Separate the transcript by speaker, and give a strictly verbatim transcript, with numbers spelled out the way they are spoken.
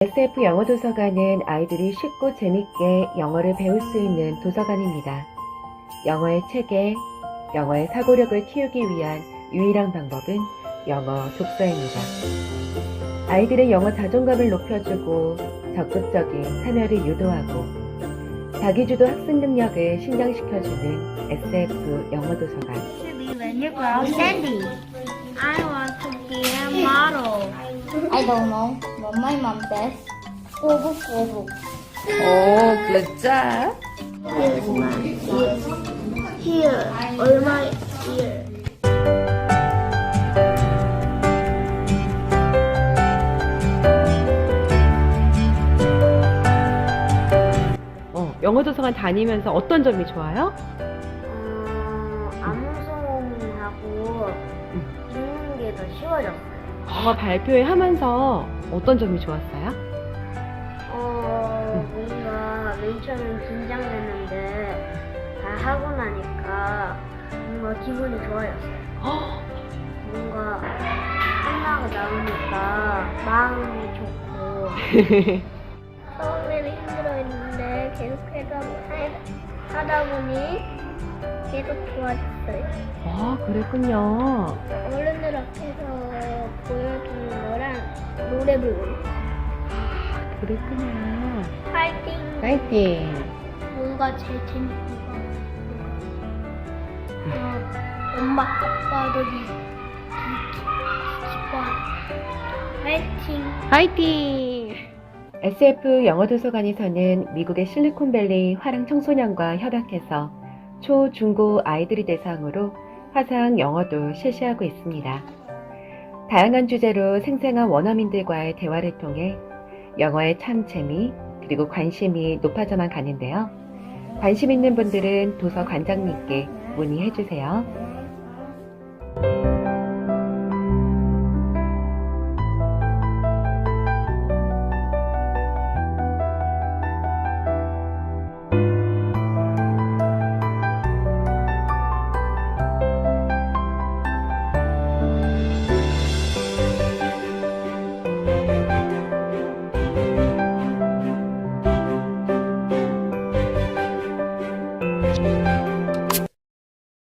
Speaker 1: 에스에프 영어 도서관은 아이들이 쉽고 재밌게 영어를 배울 수 있는 도서관입니다. 영어의 체계, 영어의 사고력을 키우기 위한 유일한 방법은 영어 독서입니다. 아이들의 영어 자존감을 높여주고 적극적인 참여를 유도하고 자기주도 학습 능력을 신장시켜주는 에스에프 영어 도서관.
Speaker 2: When you grow Sandy, I want to be a model.
Speaker 3: I don't know what my mom says. 꼬북꼬북.
Speaker 1: 오, good job.
Speaker 2: Here's my ear. Here, all my ear.
Speaker 1: 어, 영어 도서관 다니면서 어떤 점이 좋아요?
Speaker 2: 어, 암송하고 읽는 게 더 쉬워졌어요.
Speaker 1: 영어 발표회 하면서 어떤 점이 좋았어요?
Speaker 2: 어, 뭔가 맨 처음엔 긴장됐는데 다 하고 나니까 뭔가 기분이 좋아졌어요. 뭔가 끝나고 나오니까 마음이 좋고 처음에는 힘들어했는데 계속 하다, 하다 보니 계속 좋아졌어요.
Speaker 1: 아, 그랬군요.
Speaker 2: 어른들 앞에서 보여주는 거랑 노래 부르는 거.
Speaker 1: 그랬구나.
Speaker 2: 파이팅!
Speaker 1: 파이팅!
Speaker 2: 뭔가 제일 재밌는 거. 어, 엄마, 아빠들이 기뻐. 파이팅!
Speaker 1: 파이팅! 에스에프 영어 도서관에서는 미국의 실리콘밸리 화랑 청소년과 협약해서 초, 중고 아이들이 대상으로 화상 영어도 실시하고 있습니다. 다양한 주제로 생생한 원어민들과의 대화를 통해 영어의 참 재미 그리고 관심이 높아져만 가는데요. 관심 있는 분들은 도서관장님께 문의해 주세요.